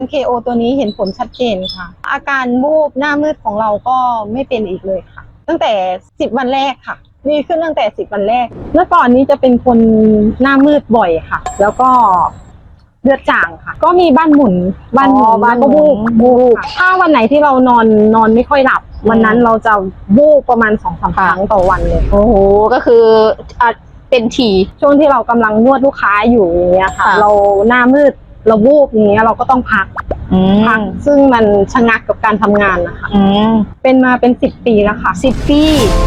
KO ตัวนี้เห็นผลชัดเจนค่ะอาการวูบหน้ามืดของเราก็ไม่เป็นอีกเลยค่ะตั้งแต่10วันแรกค่ะดีขึ้นตั้งแต่10วันแรกเมื่อก่อนนี้จะเป็นคนหน้ามืดบ่อยค่ะแล้วก็เลือดจางค่ะก็มีบ้านหมุนแล้วก็วูบค่ะถ้าวันไหนที่เรานอนไม่ค่อยหลับวันนั้นเราจะวูบประมาณ 2-3 ครั้งต่อวันเลยโอ้โหก็คือเป็นถี่ช่วงที่เรากำลังนวดลูกค้าอยู่อย่างเงี้ยค่ะเราหน้ามืดเราวูบอย่างเงี้ยเราก็ต้องพักซึ่งมันชะงักกับการทำงานนะคะเป็นมาเป็น10 ปีแล้วค่ะ 10 ปี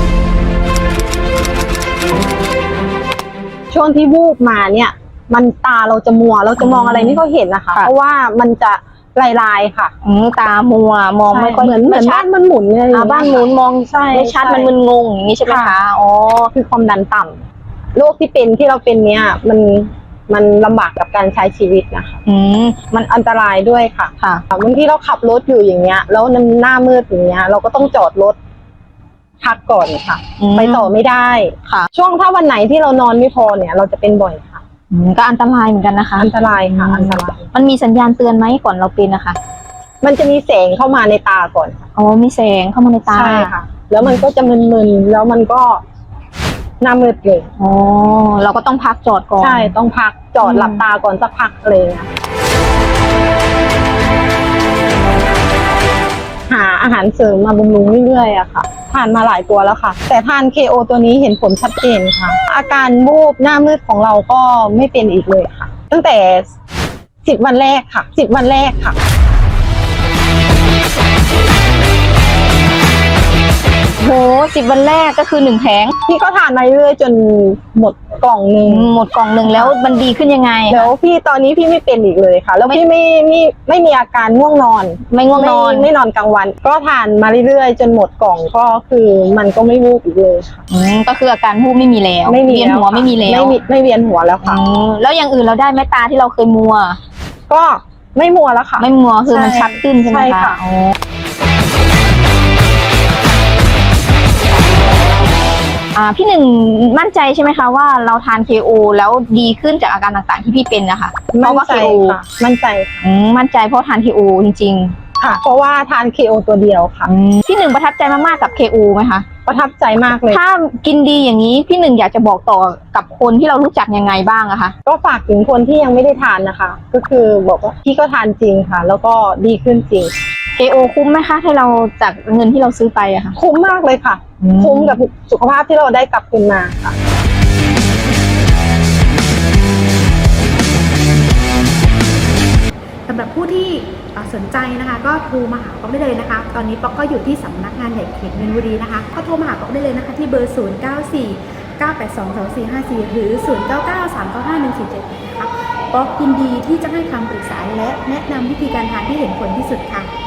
ช่วงที่วูบมาเนี่ยมันตาเราจะมัวเราจะมองอะไรไม่ค่อยเห็นนะคะเพราะว่ามันจะลายๆค่ะตามัวมองไม่ค่อยเหมือนบ้านมันหมุนเลยบ้านหมุนมองไม่ชัดมันมึนงงอย่างนี้ใช่ไหมคะอ๋อคือความดันต่ำโรคที่เราเป็นเนี่ยมันลำบากกับการใช้ชีวิตนะคะมันอันตรายด้วยค่ะบางทีเราขับรถอยู่อย่างเงี้ยแล้วหน้ามืดอย่างเงี้ยเราก็ต้องจอดรถพักก่อนค่ะไปต่อไม่ได้ค่ะช่วงถ้าวันไหนที่เรานอนไม่พอเนี่ยเราจะเป็นบ่อยค่ะก็อันตรายเหมือนกันนะคะอันตรายค่ะอันตรายมันมีสัญญาณเตือนไหมก่อนเราเป็นนะคะมันจะมีแสงเข้ามาในตาก่อนอ๋อมีแสงเข้ามาในตาใช่ค่ะแล้วมันก็จะมึนๆแล้วมันก็หน้ามืดเลยอ๋อเราก็ต้องพักจอดก่อนใช่ต้องพักจอดหลับตาก่อนสักพักอะไรเงี้ยหาอาหารเสริมมาบำรุงเรื่อยๆอะค่ะทานมาหลายตัวแล้วค่ะแต่ทาน KO ตัวนี้เห็นผลชัดเจนค่ะอาการวูบหน้ามืดของเราก็ไม่เป็นอีกเลยค่ะตั้งแต่10วันแรกค่ะ10วันแรกค่ะโห10วันแรกก็คือ1 แผงพี่ก็ทานมาเรื่อยจนหมดกล่องหนึ่งแล้วมันดีขึ้นยังไงแล้วพี่ตอนนี้พี่ไม่เป็นอีกเลยค่ะแล้วพี่ไม่มีอาการง่วงนอนไม่นอนกลางวันก็ทานมาเรื่อยๆจนหมดกล่องก็คือมันก็ไม่วูบอีกเลยค่ะก็คืออาการวูบไม่มีแล้วไม่เวียนหัวไม่มีแล้วไม่เวียนหัวแล้วค่ะแล้วอย่างอื่นเราได้ไหมตาที่เราเคยมัวก็ไม่มัวแล้วค่ะไม่มัวคือมันชัดขึ้นใช่ไหมคะพี่หนึ่งมั่นใจใช่ไหมคะว่าเราทาน KO แล้วดีขึ้นจากอาการต่างๆที่พี่เป็นนะคะเพราะว่า KO มั่นใจมั่นใจเพราะทาน KO จริงๆค่ะเพราะว่าทาน KO ตัวเดียวค่ะพี่หนึ่งประทับใจมากๆกับ KO ไหมคะประทับใจมากเลยถ้ากินดีอย่างนี้พี่หนึ่งอยากจะบอกต่อกับคนที่เรารู้จักยังไงบ้างอะคะก็ฝากถึงคนที่ยังไม่ได้ทานนะคะก็คือบอกว่าพี่ก็ทานจริงค่ะแล้วก็ดีขึ้นจริง KO คุ้มไหมคะให้เราจากเงินที่เราซื้อไปอะค่ะคุ้มมากเลยค่ะคุ้มกับสุขภาพที่เราได้กลับคืนมาค่ะสำหรับผู้ที่สนใจนะคะก็โทรมาหาป๊อกได้เลยนะคะตอนนี้ป๊อกก็อยู่ที่สำนักงานใหญ่เขตมีนบุรีนะคะก็โทรมาหาป๊อกได้เลยนะคะที่เบอร์ 0949822454 หรือ 0993951477 นะคะป๊อกยินดีที่จะให้คำปรึกษาและแนะนำวิธีการทานที่เห็นผลที่สุดค่ะ